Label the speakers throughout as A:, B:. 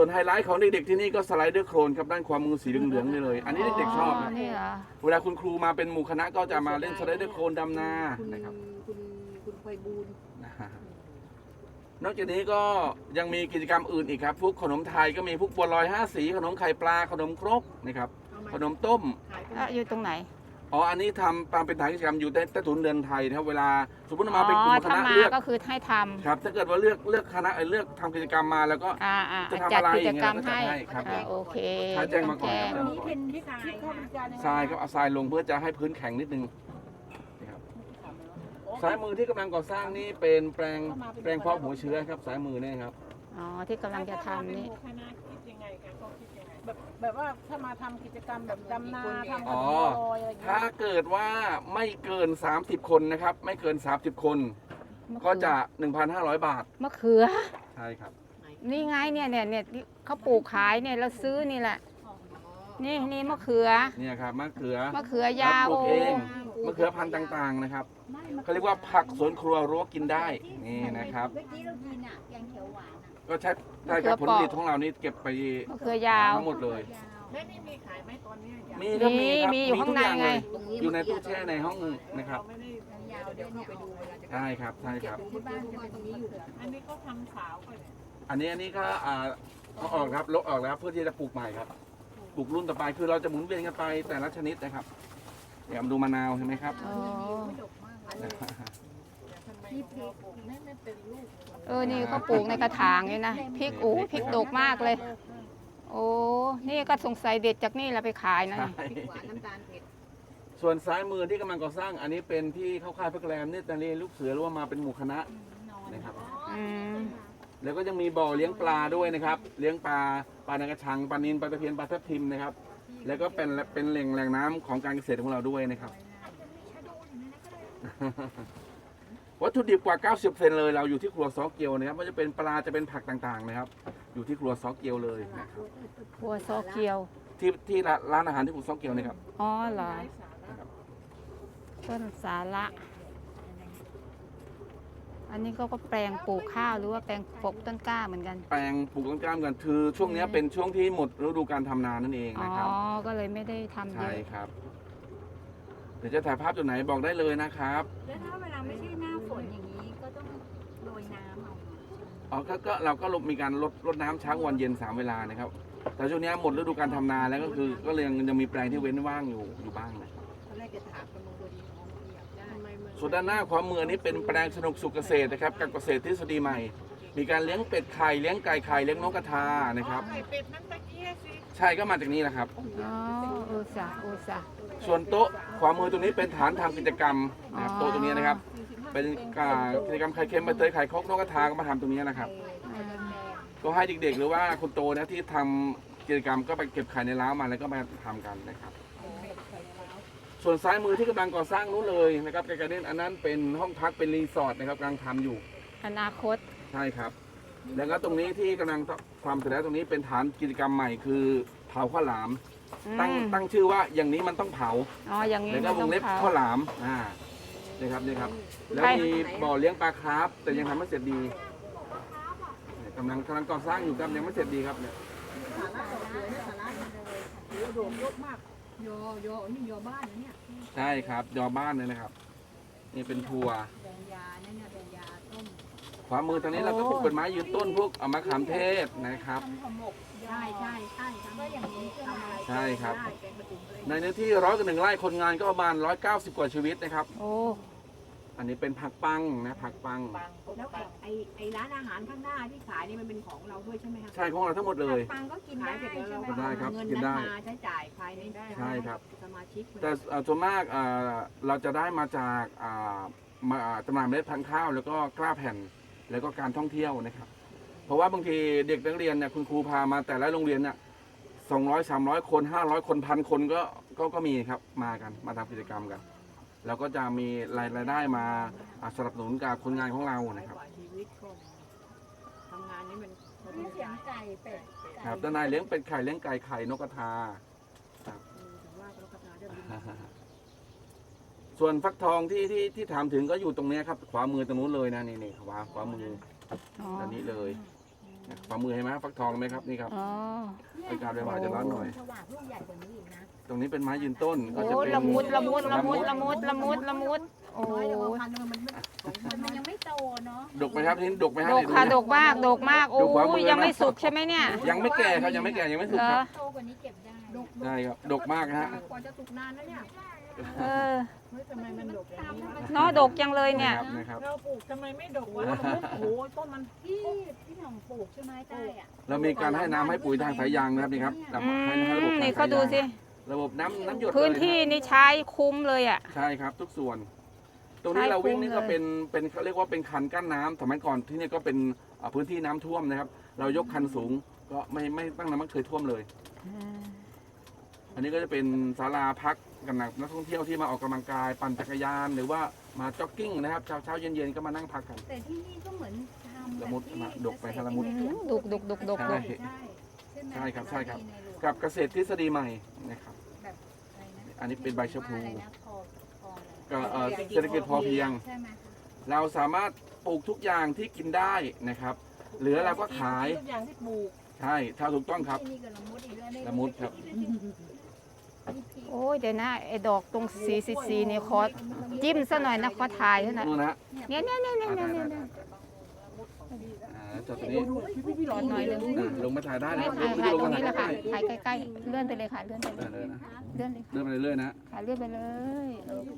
A: ส่วนไฮไลท์ของเด็กๆที่นี่ก็สไลเดอร์โครนครับด้านความมือสีเหลืองๆนี่เลยอันนี้เด็กๆชอบนะ
B: นี่เหรอ
A: เวลาคุณครูมาเป็นหมู่คณะก็จะมาเล่นสไลเดอร์โครนดำนานะครับ
C: คุณไพบูลย์
A: นอกจากนี้ก็ยังมีกิจกรรมอื่นอีกครับพวกขนมไทยก็มีพวกบัวลอย5 สีขนมไข่ปลาขนมครกนะครับขนมต้ม
B: อยู่ตรงไหน
A: อ๋ออันนี้ทำตามเป็นฐานกิจกรรมอยู่ใต้ถุนเรือนไทยนะครับเวลาสมมติ
B: อ๋
A: มาเป็นกลุ่
B: อ
A: มค
B: ถ้า
A: ณะ
B: มา
A: เลือก
B: ก็คือให้ทำ
A: ครับถ้าเกิดว่าเลือกคณะเลือกทำกิจกรรมมาแล้วก็ จะทำ
B: จัด
A: อะไร
B: กิจกรรม
A: อย่างเงี้ย
B: ให้
A: ครับ
B: โอเค
A: ถ้าแจ้งมาก่อน
B: แจ้
A: ครับ
C: นี้เป็นที่เข้าบริการ
A: ทรายครับเอาทรายลงเพื่อจะให้พื้นแข็งนิดนึงนะครับซ้ายมือที่กำลังก่อสร้างนี่เป็นแปลงเพาะหัวเชื้อครับซ้ายมือเนี่ยครับ
B: อ๋อที่กำลังจะทำนี่
C: คณะคิดยังไงคะเขาคิดยังไงแบบว่าถ้ามาทำกิจกรรมแบบดำนาทำขนมบัวลอยอะไรอย่างเงี้
A: ถ้ายเกิดว่าไม่เกิน30 คนนะครับไม่เกิน30 คนก็จะ 1,500 บาท
B: มะเขือ
A: ใช่ครับ
B: นี่ไงเนี่ยเขาปลูกขายเนี่ยเราซื้อนี่แหละ นี่มะเขือ
A: เนี่ยครับมะเขือ
B: มะเขือยาว
A: ปลูกเองมะเขือพันธุ์ต่างๆนะครับเขาเรียกว่าผักสวนครัวรั้วกินได้นี่นะครับ
D: เมื่อกี้เรากินอ่ะแกงเขียวหวานอ่ะ
A: ก็ใช้ได้กับผลผลิตของเรานี่เก็บไป
B: มะเขือยาว
A: ทั้งหมดเลย
D: ยาว
C: แล้วนี่มีขายไหมตอนเนี้ยอยาก
A: มีครับ
B: มี
A: ครับ
B: มีอยู่ข้างใน
A: ทุก
B: ไง
A: เลยอยู่ในตู้แช่ในห้องนะครับ
C: เราไม่ได้
D: ยาว
C: เดี๋
D: เดี๋
C: ย
D: ยว ว
C: เข้า
D: เนี่ย
C: ไปดูเวลาจะ
A: ใช่ครับใช่ครับ
D: ที่บ้านจะเป็นตรงนี้อยู่
C: อันนี้เขาทำสาวก่อนเนี่ย
A: อันนี้ก็เอาออกครับลบออกแล้วเพื่อที่จะปลูกใหม่ครับปลูกรุ่นต่อไปคือเราจะหมุนเวียนกันไปแต่ละชนิดนะครับเดี๋ยวดูมะนาวเห็นไหมครับ
B: อ๋อ
D: ดกมากเลย
C: นี่พริกไม่เป็นลูก
B: นี่เขาปลูกในกระถางนี่นะพริกพริกดกมากเลย โอ้นี่ก็สงสัยเด็ดจากนี่แล้วไปขายนะ
A: ใช่
D: หวานน้ำตาลเผ็ด
A: ส่วนซ้ายมือที่กำลังก่อสร้างอันนี้เป็นที่เข้าค่ายพักแรมนี่ตอนนี้ลูกเสือหรือว่ามาเป็นหมู่คณะนะครับ
B: อืม
A: แล้วก็ยังมีบ่อเลี้ยงปลาด้วยนะครับ เลี้ยงปลาในกระชังปลานิลปลาตะเพียนปลาทับทิมนะครับ แล้วก็เป็นแหล่งน้ำของการเกษตรของเราด้วยนะครับ วัตถุดิบกว่า 90%เลยเราอยู่ที่ครัวซอเกียวนะครับไม่ว่าจะเป็นปลาจะเป็นผักต่างๆนะครับ อยู่ที่ครัวซอเกียวเลยนะครับ
B: หัวซอเกียว
A: ที่ร้านอาหารที่ครัวซอเกียวนะครับ
B: อ๋อเหรอต้นสาระ อันนี้ก็แปลงปลูกข้าวหรือว่าแปลงปลูกต้นกล้าเหมือนกัน
A: แปลงปลูกต้นกล้ามกันคือช่วงนี้เป็นช่วงที่หมดฤดูการทำนานั่นเอง
B: อ๋อ
A: นะครับ
B: ก็เลยไม่ได้ทำเย
A: ใช่
B: อะ
A: ครับ เดี๋ยวจะถ่ายภาพจุดไหนบอกได้เลยนะครับ
D: แล้วถ้าเวลาไม่ใช่หน้าฝนอย่างนี้ก็ต้องโรยน้ำเอา
A: อ๋อก็เราก็มีการลดน้ำเช้าวันเย็น3 เวลานะครับ แต่ช่วงนี้หมดฤดูการทำนาแล้วก็คือก็เลยยังมีแปลงที่เว้นว่างอยู่บ้างนะ
C: ตอนแรกจะถามกำลังพอดีน้องอยากได้ทำไมมัน
A: ส่วนด้านหน้าความมือนี้เป็นแปลงสนุกสุขเกษตรนะครับกับเกษตรทฤษฎีใหม่ มีการเลี้ยงเป็ดไข่เลี้ยงไก่ไข่เลี้ยงนกกระทานะครับ
C: ไข่เป็ดนั้นตะกี้สิ
A: ใช่ก็มาจากนี้แหละครับ
B: อ๋ออุตสาห์
A: ส่วนโต๊ะความมือตรงนี้เป็นฐานทำกิจกรรมนะครับโต๊ะตรงนี้นะครับ เป็นกิจกรรมไข่เค็มใบเตยไข่ครกนกกระทาก็มาทำตรงนี้นะครับ ก็ให้เด็กๆหรือว่าคุณโตนะที่ทำกิจกรรมก็ไปเก็บไข่ในร้าวมาแล้วก็มาทำกันนะครับ ส่วนซ้ายมือที่กำลังก่อสร้างนู้นเลยนะครับไกลๆเด่นอันนั้นเป็นห้องพักเป็นรีสอร์ทนะครับกำลังทำอยู่
B: อนาคต
A: ใช่ครับ แล้วก็ตรงนี้ที่กำลังทำเสร็จแล้วตรงนี้เป็นฐานกิจกรรมใหม่คือเผาข้าวหลาม ตั้งชื่อว่าอย่างนี้มันต้องเผา
B: อ๋ออย่างนี้
A: แล้วก็วงเล็บ
B: ต้อง
A: ข้าว
B: เผา
A: หลามนี่ครับนี่ครับ แล้วมีบ่อเลี้ยงปลาคาร์ฟแต่ยังทำไม่เสร็จดีกำลังก่อสร้างอยู่ครับยังไม่เสร็จดีครับเนี่ย
C: สาระสวยนะสาระโอ้โหโดดยกมาก
D: โยนี่โยบ้านนะเนี่ย
A: ใช่ครับยอบ้านเลยนะครับ นี่เป็นทัวร์
D: แดงยานั่นเนี่ยแดงยาต้ม
A: ขวามือทางนี้เราก็ปลูกเป็นไม้ยืนต้นพวกมะขามเทศนะครับ
D: ใช่ก็อย่างนี้ทำอะไร
A: ใช่ครับ
D: ได้แกงกระตุ้นเลย
A: ในเนื้อที่101 ไร่คนงานก็ประมาณ190 กว่าชีวิตนะครับ
B: โอ้
A: อันนี้เป็นผักปังนะผักปัง
D: แล้วไอ้ร้านอาหารข้างหน้าที่ขายนี่มันเป็นของเราด้วยใช่ไหมคะ
A: ใช่ของเราทั้งหมดเลย
D: ปังก็กินได้ใช่ไหม
A: กินได้ครับ
D: เงิน
A: กินได้
D: นั้นมาใช้จ่ายภายในได้
A: ใช่ครับ
D: สมาชิก
A: แต่ส่วนมากเราจะได้มาจากจำหน่ายเมล็ดพันธุ์ข้าวแล้วก็กล้าแผ่นแล้วก็การท่องเที่ยวนะครับ เพราะว่าบางทีเด็กนักเรียนเนี่ยคุณครูพามาแต่ละโรงเรียนเนี่ย200 300 คน500 คน1,000 คนก็มีครับมากันมาทำกิจกรรมกันแล้วก็จะมีรายได้มาสนับสนุนกับคนงานของเรานะครับ
C: ชีวิตคนทำงานนี้มัน
D: มีเสียงไก่เป็ด
A: ครับด้านในเลี้ยงเป็ดไข่เลี้ยงไก่ไข่นกกระทา
C: ถึงว่าก็กระทาจะบิน
A: ส่วนฟักทองที่ถามถึงก็อยู่ตรงเนี้ยครับขวามือตรงนู้นเลยนะนี่ขวามือ
B: อ๋อ
A: ด้านนี้เลยฝ่ามือเห็นไหมฟักทองไหมครับนี่ครับ
B: อ๋อ
A: อากาศบ่ายๆจะร้อนหน่อย
D: สว่างลูกใหญ่กว่านี้อีกนะ
A: ตรงนี้เป็นไม้ยืนต้นก็
B: โอ้
A: จะเป็น
B: ละมุดละมุดละมุดละมุดละมุดละมุดโอ้
D: น้อยแต่ว่าพันธุ์มันยังไม่โตเนาะ
A: ดกไหมครับทีนี้ดกไหมฮะ
B: ดกค่ะ
A: เนี่ย
B: ดกมากดกมากโอ้
A: ดูความมือนะ
B: ยังไม่สุกใช่ไหมเนี่ย
A: ยังไม่แก่ครับยังไม่แก่ยังไม่สุก
B: เหร
A: ค
B: อ
A: รับ
D: โตกว่านี้เก็บได้
A: ใช่ครับดกมากฮะ
D: กว่าจะสุกนานนะเนี่ย
B: เออ
C: เฮ้ยทำไมมันดกอย่างนี้
B: เนาะดกจังเลยเนี่ย
A: นะครับ
C: เราปลูกทำไมไม่ดกวะโอ้โหต้นมัน
D: พี่หน่องปลูกใช่ไหมใต้อ่ะ
A: เรามีการให้น้ำให้ปุ๋ยทางสายยางนะครับนี่ครับ
B: อื
A: ให้ระบบ
B: ม
A: ทาง
B: นี่
A: สาย
B: เขาดูสิ
A: ยางระบบน้ำหยด
B: พื้น
A: เลย
B: ที่นี่ใช้คุ้มเลยอ่ะ
A: ใช่ครับทุกส่วน ตรงนี้
B: ใช่
A: เราวิ่งนี่
B: คุ้มเลย
A: ก็เป็นเขาเรียกว่าเป็นคันกั้นน้ำสมัยก่อนที่นี่ก็เป็นพื้นที่น้ำท่วมนะครับ เรายกคันสูงก็ไม่ตั้งน้ำมันเคยท่วมเลย อันนี้ก็จะเป็นศาลาพักกันนักท่องเที่ยวที่มาออกกำลังกายปั่นจักรยานหรือว่ามาจ็อกกิ้งนะครับเช้าเย็นๆก็มานั่งพักกัน
D: แต่ที่นี่ก็เหมือนทำ
A: ละมุดมาดกไปครับละมุด
B: ดกดกดกดก
A: ใช่
B: ดก
A: ใช่ครับใช่ครับ กับเกษตรทฤษฎีใหม่นะครับ อันนี้เป็นใบชะพลูก็เศรษฐกิจพอเพียง
D: ใช่ไหม
A: เราสามารถปลูกทุกอย่างที่กินได้นะครับ เหลือเราก็ขาย
C: ทุกอย่างที่ปลูก
A: ใช่ถ้าถูกต้องครับ
D: ที่นี่ก็ละมุดอีกแล้วเนี่ย
A: ละมุดครับ
B: โอ้ยเดี๋ยวนะไอ้ดอกตรงสีนี่ขอจิ้มซะหน่อยนะขอถ่ายซะหน่อย
A: นู่นนะฮะ
B: เนี่ย
A: จอดตรงนี้
C: พี่หลอด
B: หน่อยหนึง
A: ลงมาถ่ายได้นะ
B: ไม่
A: ครับ
B: ถ่ายถ่าย
A: ลง
B: ตร
A: มาง
B: นี้
A: ถ่าย
B: แหละค่ะ
A: ได้
B: ถ่ายใกล้ๆเลื่อนไปเลยค่ะเลื่อนไปเลย
A: เลยนะ
B: เลื่อนเลย
A: เดินไปเรื่อยๆนะ
B: ค่ะเลื่อนไปเลยโอเค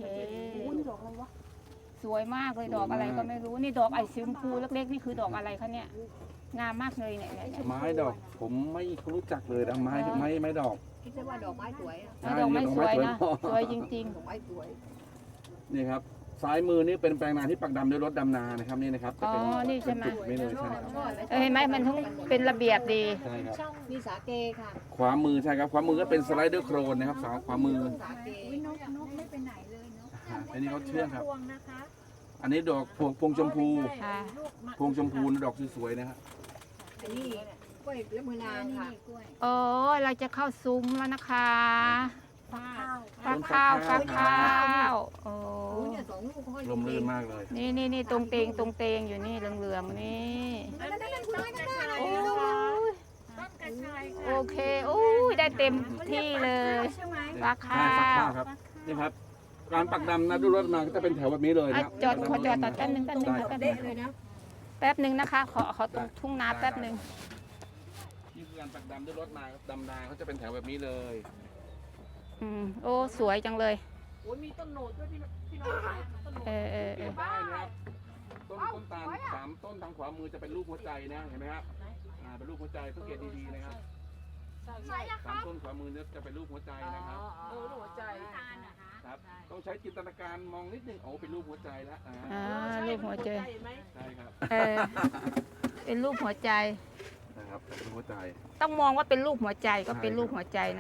B: สวยมากเลยดอกอะไรก็ไม่รู้นี่ดอกไอซิมพูเล็กๆนี่คือดอกอะไรคะเนี่ยงามมากเลยเนี่ย
A: ไม้ดอกผมไม่รู้จักเลยนะไม้ดอก
D: คิดว่าดอกไม้สวยอะ
B: ดอกไม้สวยนะสวยจริง
D: ดอกไม้สวย
A: นี่ครับซ้ายมือนี่เป็นแปลงนาที่ปักดำด้วยรถดำนานะครับนี่นะครับจะเป็น
B: อ๋อนี่ใช่ไหม
A: เป็นจุดนี้เลยใช่ครับ
B: เห็นไหมมันทั้งเป็นระเบียบดี
A: ใช่ครับ
D: ช่องมีสาเกค่ะ
A: ขวามือใช่ครับขวามือก็เป็นสไลเดอร์โครนนะครับสาวขวามือ
D: สาเกนกไม่ไปไหนเลยเนาะ
A: อันนี้เขาเชื่องครับ
C: พวงนะคะ
A: อันนี้ดอกพวงชมพู
B: ค่ะ
A: พวงชมพูดอกสวยๆนะครับ
D: อันนี้กล้วยเล็บมือนางค่ะ
B: โอ้เราจะเข้าซุ้มแล้วนะคะ
C: ข้าว
B: ฟักข้าวโอ้
D: โอ้ยเนี่ยสองลูกเขา
A: ลมลื่นมากเลย
B: นี่ตรงเตงอยู่นี่เหลืองๆนี่
C: ต้นกระชาย
B: โอ้ย
C: ต้นกระชาย
B: โอเคโอ้ยได้เต็มที่เลยฟักข้า
A: ฟักข้าว
B: ว
A: ครับนี่ครับ การปักดำนะด้วยรถมาก็จะเป็นแถวแบบนี้เลย
B: อ่ะ
A: นะ
B: จอดขอจอดตัดแป๊บนึง
D: เด็กเลยนะ
B: แป๊บนึงนะคะ ขอตรงทุ่งนาแป๊บนึง
A: นี่คือการปักดำด้วยรถมาครับดำนาเขาจะเป็นแถวแบบนี้เลย
B: โอ้สวยจังเลย
C: โอ้ยมีต้นโหนดด้วยพี่น้องขายต้นโหนด
B: เออ
A: ได้นะครับต้นตาล3 ต้นทางขวามือจะเป็นรูปหัวใจนะเห็นไหมครับเป็นรูปหัวใจสังเกตดีๆนะครับ
C: ใช่
A: 3 ต้นขวามือเนี่ยจะเป็นรูปหัวใจนะครับ
C: หัวใจ
A: ครับต้องใช้จินตนาการมองนิดนึงโอ้เป็นรูปหัวใจแล้ว
B: รูปหัวใจ
C: เห็นไหม
A: ใช่ครับ
B: เป็นรูปหัวใจ
A: นะครับเป็นหัวใจ
B: ต้องมองว่าเป็นรูปหัวใจก็เป็นรูปหัวใจนะ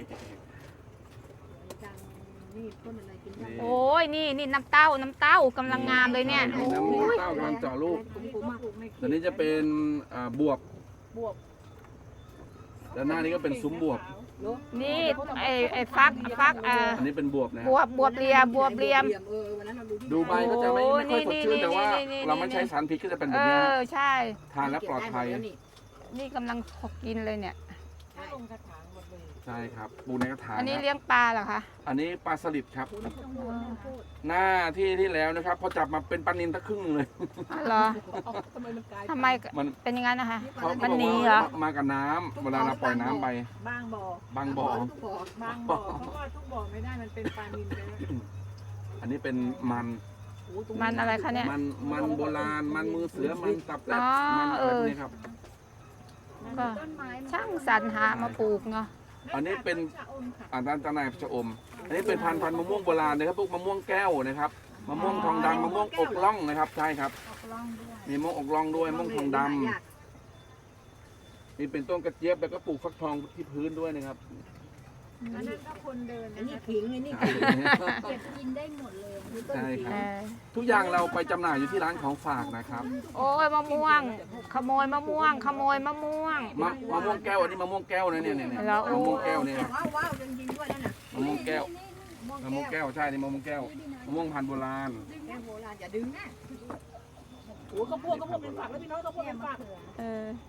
D: นี่ต้นอะไรกินได้
B: โอ้ยนี่น้ำเต้ากำลังงามเลยเนี่ย
A: น้ำ
B: โอ้ย
A: เต้ากำลังเจาะลูก
D: ผมมาก
A: ตัวนี้จะเป็นบวบบ
C: วบ
A: ด้านหน้านี้ก็เป็นซุ้มบวบ
B: นี่ไอ้ฟัก
A: อันนี้เป็นบวบนะ
B: บวบเรียม
D: วันนั้นเราดูที่
A: ดูใบก็จะไม่ค่อยสดชื่นแต่ว่า
B: นี่
A: เราไม่ใช้สารพิษก็จะเป็นแบบนี้
B: ใช่
A: ทานแล้วปลอดภัย
B: นี่กำลังกินเลยเนี่ย
C: ลงกระถางหมดเลย
A: ใช่ครับปูในกระถาง
B: อันนี้
A: ครับ
B: เลี้ยงปลาเหรอคะ
A: อันนี้ปลาสลิดครับ หน้าที่แล้วนะครับพอจับมาเป็นปลานิลทั้งครึ่งเลย
B: เหรอ
C: ทำไมมันกลาย
B: ทำไม
A: มัน
B: เป็นอย่างนั้นนะคะ
A: เขา
B: มัน
A: บอก
B: หนี
A: ว่า
B: เหรอ
A: มากับน้ำเวลาเราปล่อยน้ำไป
C: บางบ่อบ
A: างบ่อ
C: บางบ่อเพราะว่าทุกบ่อไม่ได้มันเป็นปลานิลไปแล้ว
A: อันนี้เป็นมัน
B: มันอะไรคะเนี่ย
A: มันโบราณมันมือเสือมันตับแลบ
B: อ๋อ
A: มันอะไร
B: เออ
A: พวกนี้ครับ
B: ก็ช่างสรรหามาปลูกเนาะ
A: อันนี้เป็น
C: ชะอมค่ะ
A: ด้านตะไนชะอม อันนี้เป็นพันธุ์มะม่วงโบราณนะครับพวกมะม่วงแก้วนะครับมะม่วงทองดำมะม่วงอกล่องนะครับใช่ครับมีมะม่วงอกล่องด้วยมะม่วงทองดำมีเป็นต้นกระเจี๊ยบแล้วก็ปลูกฟักทองที่พื้นด้วยนะครับ
C: อันนั้นก็คนเดิน
D: อันนี้
C: นะคะ
D: ขิงอันนี้เก็บกินได้หมดเลยคือต้น
A: ใช่ค
B: เอ
A: รับ
B: อ
A: ทุกอย่างเราไปจำหน่ายอยู่ที่ร้านของฝากนะครับ
B: โอ้ยมะม่วง ขโมยมะม่วง ขโมยมะม่วง
A: มะม่วงแก้วอันนี้มะม่วงแก้วนะเนี่ย
B: แล้วโอ้
A: มะม่วงแก้วเนี่ย
D: ว้าวจริงๆด้วยนั่นน่ะ
A: มะม่วงแก้วมะม่วงแก้วใช่นี่มะม่วงแก้วมะม่วงพันธุ์โบราณ
D: แก้วโบราณอย่าดึงนะ
C: โอ้ข้าวโพดเป็นฝักแล้วพี่น้องข้าวโพดเป็นฝัก
B: เออ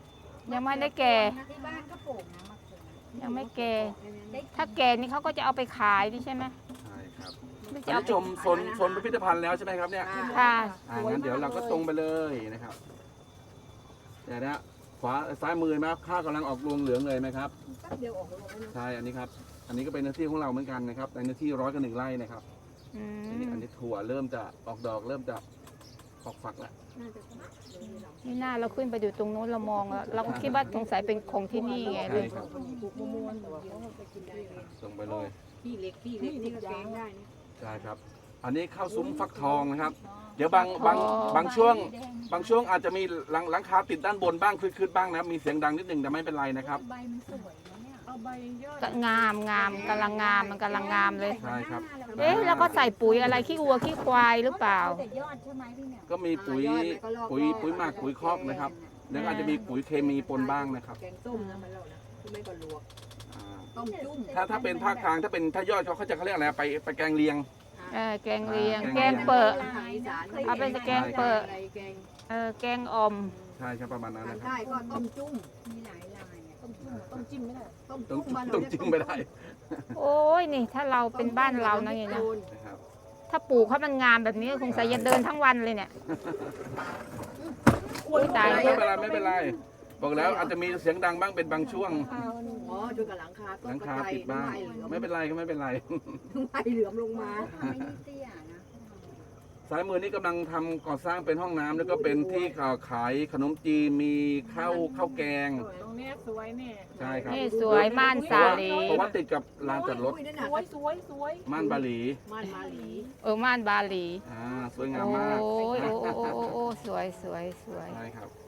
B: ยังไม่ได้แก่
E: ที่บ้านก็ปลูกนะมะเขือ
B: ยังไม่แก่ ถ้าแก่นี่เขาก็จะเอาไปขายดิใช่ไหม
A: ใช่ครับ
B: หรือ
A: ต
B: จะ
A: อน
B: เอา
A: นี้ชมโซนพิพิธภัณฑ์แล้วใช่ไหมครับเนี่ย
B: ค่ะ
A: งั้นเดี๋ยวเราก็ตรงไปเลยนะครับเดี๋ยวนะขวาซ้ายมือไหมครับข้าวกำลังออกรวงเหลืองเลยไหมครับ
D: แป๊บเดียวออกลงแล้วนะ
A: ใช่อันนี้ครับอันนี้ก็เป็นเนื้อที่ของเราเหมือนกันนะครับในเนื้อที่100 ไร่นะครับ
B: อื
A: อันนี้
B: ม
A: ถั่วเริ่มจะออกดอกเริ่มจะออกฝักแล้ว
D: น่าจะประมาณนี้เรา
B: นี่หน้าเราขึ้นไปอยู่ตรงโน้นเรามองแล้วเราก็คิดว่าสงสัยเป็นของที่นี่ไงเล
A: ใช่
B: ย
A: ครับ
C: ปลูกมะม่วงแต่ว่าเขาไปกินได้เลย
A: ตรงไปเลย
D: ที่เล็กนี่ก็แกงได้นะ
A: ใช่ครับ อันนี้ข้าวซุ้มฟักทองนะครับ เดี๋ยวบางช่วงอาจจะมีหลังคาติดด้านบนบ้างคืดๆบ้างนะมีเสียงดังนิดหนึ่งแต่ไม่เป็นไรนะครับ
E: ใบมันสวยนะเนี่ย
C: เอาใบยอด
B: ก็งามกำลังงามมันกำลังงามเลย
A: ใช่ครับ
B: เอ๊ะแล้วก็ใส่ปุ๋ยอะไรขี้วัวขี้ควายหรือเปล่า
E: แต่ยอดใช่ไหมพี่เนี่ย
A: ก็มีปุ๋ยหมักปุ๋ยคอกนะครับแล้วก็อาจจะมีปุ๋ยเคมีปนบ้างนะครับ
D: แกงส้มนะมันเรานะคือไม่ก็ลวก
A: อ่า
D: ต้มจุ่ม
A: ถ้าเป็นภาคกลางถ้ายอดเขาจะเขาเรียกอะไรไปแกงเลียง
B: แกงเลียง
A: แก
B: แก
A: ง
B: ง
A: เลียง
B: เปิด
D: ทางอีสาน
B: เอาเป็นแกงเปิด
D: อะไรแกง
B: แกงอ่อม
A: ใช่ครับประมาณนั้น
D: ทาง
A: นะครับ
D: ใต้ก็ต้มจุ่ม
E: มีหลายลายเนี่ย
C: ต้องจิ้มไม่ได้
D: ต้ม
A: ต้
D: จุ่
A: อง
D: มบ้านเรา
A: ต้อง
D: เรียก
A: จิ้มไม่ได้
B: โอ้ยนี่ถ้าเราเป็นบ้านเรานะเนี่ยนะ
A: นะครับ
B: ถ้าปลูกเขามันงามแบบนี้คงใส่จะเดินทั้งวันเลยเนี่ยอุ้ยตาย
A: ไม่เป็นไรบอกแล้วอาจจะมีเสียงดังบ้างเป็นบางช่วง
D: อ๋อช่วยกับหลังคาต้
A: ห
D: น
A: ลัง
D: กระ
A: คา
D: จาย
A: ติดบ้าง ไม่เป็นไรก็ไม่เป็นไร
D: ไม้เหลือมลงมา
E: ทำไม่ได้เตี้ยนะ
A: ซ้ายมือนี่กำลังทำก่อสร้างเป็นห้องน้ำแล้วก็เป็นที่ขายขนมจีนมีข้าวแกง
C: ตรงเนี้ยสวยเนี่ย
A: ใช่ครับ
B: นี่สวยม่านสาลี
A: เพราะว่าติดกับลานจอดรถ
D: อุ้ยนั่น
C: ส
D: น่ะ
C: วยสวยสวย
A: ม่านบาหลี
D: ม่านมาหลี
B: ม่านบาหลี
A: สวยงาม
B: โอ้
A: มาก
B: ยโอ้สวย
A: ใช่ครับ